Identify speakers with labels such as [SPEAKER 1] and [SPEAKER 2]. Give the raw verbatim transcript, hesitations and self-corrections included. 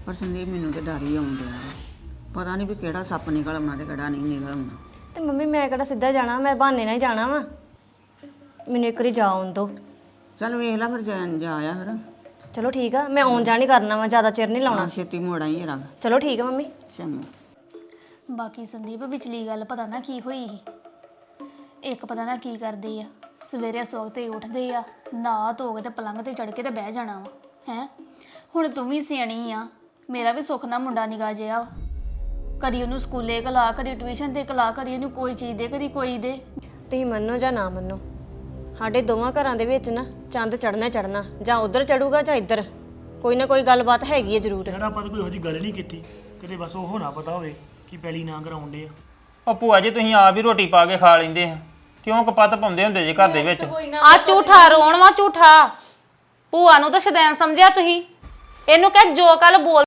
[SPEAKER 1] ਪਰ ਸੰਦੀਪ ਮੈਨੂੰ ਤੇ ਡਰ ਹੀ ਆਉਂਦਾ ਪਤਾ ਨਹੀਂ ਵੀ ਕਿਹੜਾ ਸੱਪ ਨਿਕਲ ਆਉਣਾ ਤੇ ਕਿਹੜਾ ਨਹੀਂ ਨਿਕਲ ਆਉਣਾ।
[SPEAKER 2] ਤੇ ਮੰਮੀ ਮੈਂ ਕਿਹੜਾ ਸਿੱਧਾ ਜਾਣਾ, ਮੈਂ ਬਹਾਨੇ ਨਾਲ ਹੀ ਜਾਣਾ ਵਾ। ਮੈਨੂੰ ਇੱਕ ਵਾਰੀ ਜਾ ਆਉਣ ਦਿਓ।
[SPEAKER 1] ਚੱਲ ਵੇਖ ਲੈ ਫਿਰ ਜਾ ਜਾ ਆਇਆ ਫਿਰ।
[SPEAKER 2] ਚਲੋ ਠੀਕ ਆ, ਮੈਂ ਆਉਣ ਜਾਣ ਹੀ ਕਰਨਾ ਵਾ, ਜ਼ਿਆਦਾ ਚਿਰ ਨਹੀਂ ਲਾਉਣਾ।
[SPEAKER 1] ਛੇਤੀ ਮੋੜ ਆਈ ਰੰਗ।
[SPEAKER 2] ਚਲੋ ਠੀਕ ਆ ਮੰਮੀ।
[SPEAKER 1] ਚੰਗਾ।
[SPEAKER 3] ਬਾਕੀ ਸੰਦੀਪ ਵਿਚਲੀ ਗੱਲ ਪਤਾ ਨਾ ਕੀ ਹੋਈ ਸੀ। ਇੱਕ ਪਤਾ ਨਾ ਕੀ ਕਰਦੇ ਆ, ਸਵੇਰੇ ਸਵਖਤੇ ਹੀ ਉੱਠਦੇ ਆ, ਨਹਾ ਧੋ ਕੇ ਤੇ ਪਲੰਘ ਤੇ ਚੜ ਕੇ ਤੇ ਬਹਿ ਜਾਣਾ ਵਾ ਹੈ। ਹੁਣ ਤੂੰ ਵੀ ਸਿਆਣੀ ਆ, ਮੇਰਾ ਵੀ ਸੁੱਖ ਨਾ ਮੁੰਡਾ ਨਿਕਾ ਜਿਆ, ਕਦੀ ਉਹਨੂੰ ਸਕੂਲੇ ਕਲਾ, ਕਦੀ ਟਿਊਸ਼ਨ ਤੇ ਕਲਾ, ਕਦੀ ਇਹਨੂੰ ਕੋਈ ਚੀਜ਼ ਦੇ, ਕਦੀ ਕੋਈ ਦੇ।
[SPEAKER 2] ਤੁਸੀਂ ਮੰਨੋ ਜਾਂ ਨਾ ਮੰਨੋ, ਸਾਡੇ ਦੋਵਾਂ ਘਰਾਂ ਦੇ ਵਿੱਚ ਨਾ ਚੰਦ ਚੜਨਾ ਚੜਨਾ, ਜਾਂ ਉਧਰ ਚੜੂਗਾ ਜਾਂ ਇੱਧਰ, ਕੋਈ ਨਾ ਕੋਈ ਗੱਲਬਾਤ ਹੈਗੀ ਹੈ ਜ਼ਰੂਰ।
[SPEAKER 4] ਯਾਰ ਆਪਾਂ ਤਾਂ ਕੋਈ ਇਹੋ ਜਿਹੀ ਗੱਲ ਨਹੀਂ ਕੀਤੀ, ਕਿਤੇ ਬਸ ਉਹ ਨਾ ਪਤਾ ਹੋਵੇ ਕਿ ਪੈਲੀ ਨਾ ਕਰਾਉਂਦੇ ਆ।
[SPEAKER 5] ਉਹ ਭੂਆ ਜੀ ਤੁਸੀਂ ਆਪ ਹੀ ਰੋਟੀ ਪਾ ਕੇ ਖਾ ਲੈਂਦੇ ਆ, ਕਿਉਂ ਕਪੱਤ ਪਾਉਂਦੇ ਹੁੰਦੇ ਜੇ ਘਰ ਦੇ ਵਿੱਚ?
[SPEAKER 6] ਆ ਝੂਠਾ ਰੋਣ ਵਾ ਝੂਠਾ। ਭੂਆ ਨੂੰ ਤਾਂ ਸ਼ੈਤਾਨ ਸਮਝਿਆ ਤੁਸੀਂ। ਇਹਨੂੰ ਕਹਿ ਜੋ ਕੱਲ ਬੋਲ